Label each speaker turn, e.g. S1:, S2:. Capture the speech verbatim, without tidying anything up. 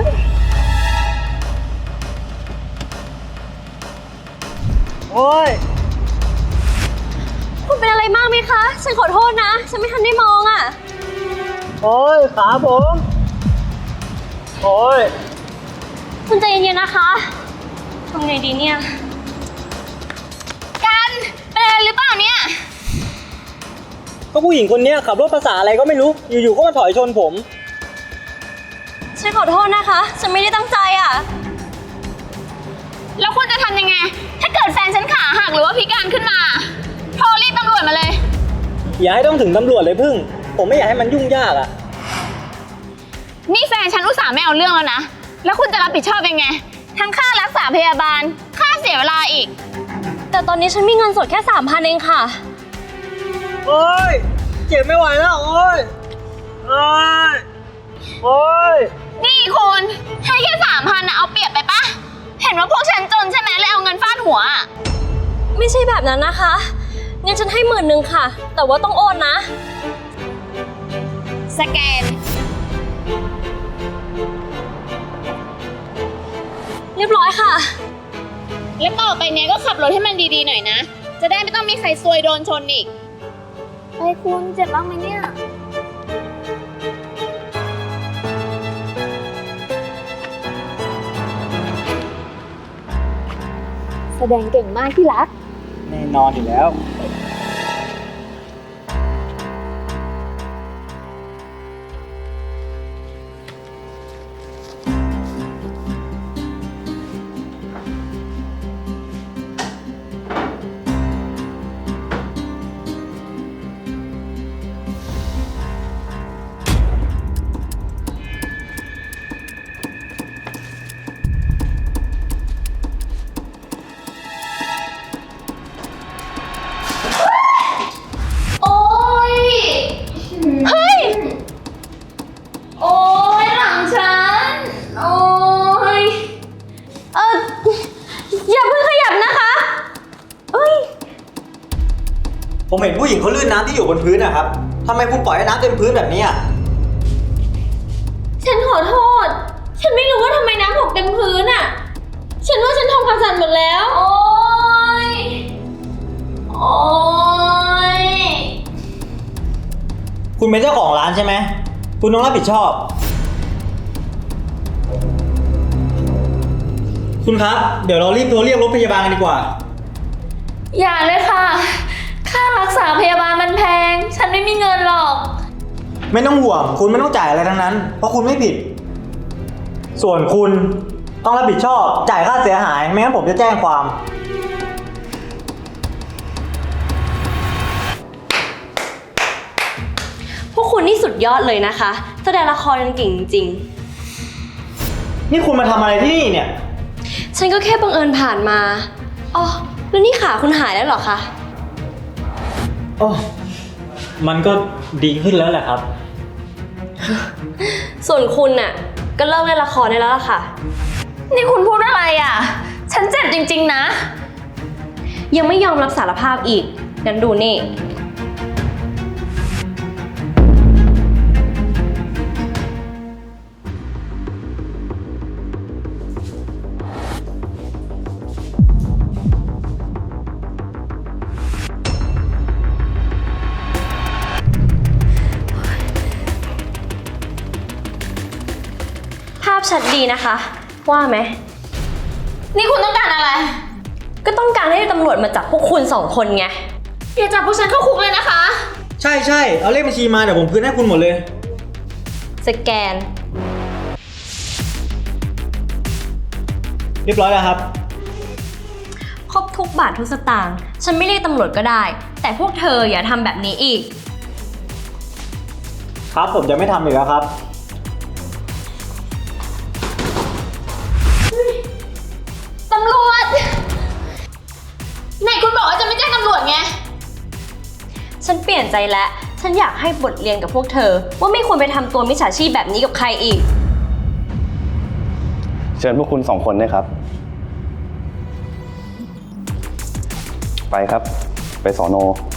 S1: โอ้ย
S2: คุณเป็นอะไรมากไหมคะ ฉันขอโทษนะ ฉันไม่ทันได้มองอ่ะ
S1: โอ้ยขาผมโอ้ย
S2: คุณใจเย็นๆนะคะทำไงดีเนี่ยกันเป็นอะไรหรือเปล่าเนี่ย
S1: ก็ผู้หญิงคนนี้ขับรถภาษาอะไรก็ไม่รู้อยู่ๆก็มาถอยชนผม
S2: ฉันขอโทษนะคะฉันไม่ได้ตั้งใจอ่ะแล้วคุณจะทำยังไงถ้าเกิดแฟนฉันขาหักหรือว่าพิการขึ้นมาโทรเรียกตำรวจมาเลย
S1: อย่าให้ต้องถึงตำรวจเลยพึ่งผมไม่อยากให้มันยุ่งยากอ่ะ
S2: นี่แฟนฉันอุตส่าห์ไม่เอาเรื่องแล้วนะแล้วคุณจะรับผิดชอบยังไงทั้งค่ารักษาพยาบาลค่าเสียเวลาอีกแต่ตอนนี้ฉันมีเงินสดแค่สามพันเองค่ะ
S1: โอ้ยเจ็บไม่ไหวแล้วโอ้ยโอ้ยโอ้ย
S2: นี่คุณให้แค่สามพันนะเอาเปรียบไปปะเห็นว่าพวกฉันจนใช่ไหมเลยเอาเงินฟาดหัวไม่ใช่แบบนั้นนะคะเงินฉันให้หมื่นหนึ่งค่ะแต่ว่าต้องโอนนะสแกนเรียบร้อยค่ะแล้วต่อไปเนี้ยก็ขับรถให้มันดีๆหน่อยนะจะได้ไม่ต้องมีใครซวยโดนชนอีกไปคุณเจ็บบ้างไหมเนี่ยแสดงเก่งมากที่รัก
S1: แน่นอนอยู่แล้วผมเห็นผู้หญิงเขาลื่นน้ำที่อยู่บนพื้นนะครับทำไมคุณปล่อยให้น้ำเต็มพื้นแบบนี้อ่ะ
S2: ฉันขอโทษฉันไม่รู้ว่าทำไมน้ำหกเต็มพื้นอ่ะฉันว่าฉันทำความสะอาดหมดแล้วโอ๊ยโอ๊ย
S1: คุณเป็นเจ้าของร้านใช่ไหมคุณต้องรับผิดชอบคุณครับเดี๋ยวเรารีบโทรเรียกรถพยาบาลกันดีกว่า
S2: อย่าเลยค่ะค่ารักษาพยาบาลมันแพงฉันไม่มีเงินหรอก
S1: ไม่ต้องห่วงคุณไม่ต้องจ่ายอะไรทั้งนั้นเพราะคุณไม่ผิดส่วนคุณต้องรับผิดชอบจ่ายค่าเสียหายไม่งั้นผมจะแจ้งความ
S2: พวกคุณนี่สุดยอดเลยนะคะแสดงละครกันเก่งจริง
S1: นี่คุณมาทำอะไรที่นี่เนี่ย
S2: ฉันก็แค่บังเอิญผ่านมาอ๋อแล้วนี่ขาคุณหายแล้วเหรอคะ
S1: โอ้มันก็ดีขึ้นแล้วแหละครับ
S2: ส่วนคุณน่ะก็เลิกเล่นละครได้แล้วล่ะค่ะนี่คุณพูดอะไรอ่ะฉันเจ็บจริงๆนะยังไม่ยอมรับสารภาพอีกงั้นดูนี่ภาพชัดดีนะคะว่าไหมนี่คุณต้องการอะไรก็ต้องการให้ตำรวจมาจับพวกคุณสองคนไงอย่าจับพวกฉันเข้าคุกเลยนะคะ
S1: ใช่ใช่เอาเลขบัญชีมาเดี๋ยวผมคืนให้คุณหมดเลย
S2: สแกน
S1: เรียบร้อยแล้วครับ
S2: ครบทุกบาททุกสตางค์ฉันไม่เรียกตำรวจก็ได้แต่พวกเธออย่าทำแบบนี้อีก
S1: ครับผมจะไม่ทำอีกแล้วครับ
S2: ตำรวจไหนคุณบอกว่าจะไม่แจ้งตำรวจไงฉันเปลี่ยนใจแล้วฉันอยากให้บทเรียนกับพวกเธอว่าไม่ควรไปทำตัวมิจฉาชีพแบบนี้กับใครอีก
S3: เชิญพวกคุณสองคนด้วยครับไปครับไปสน.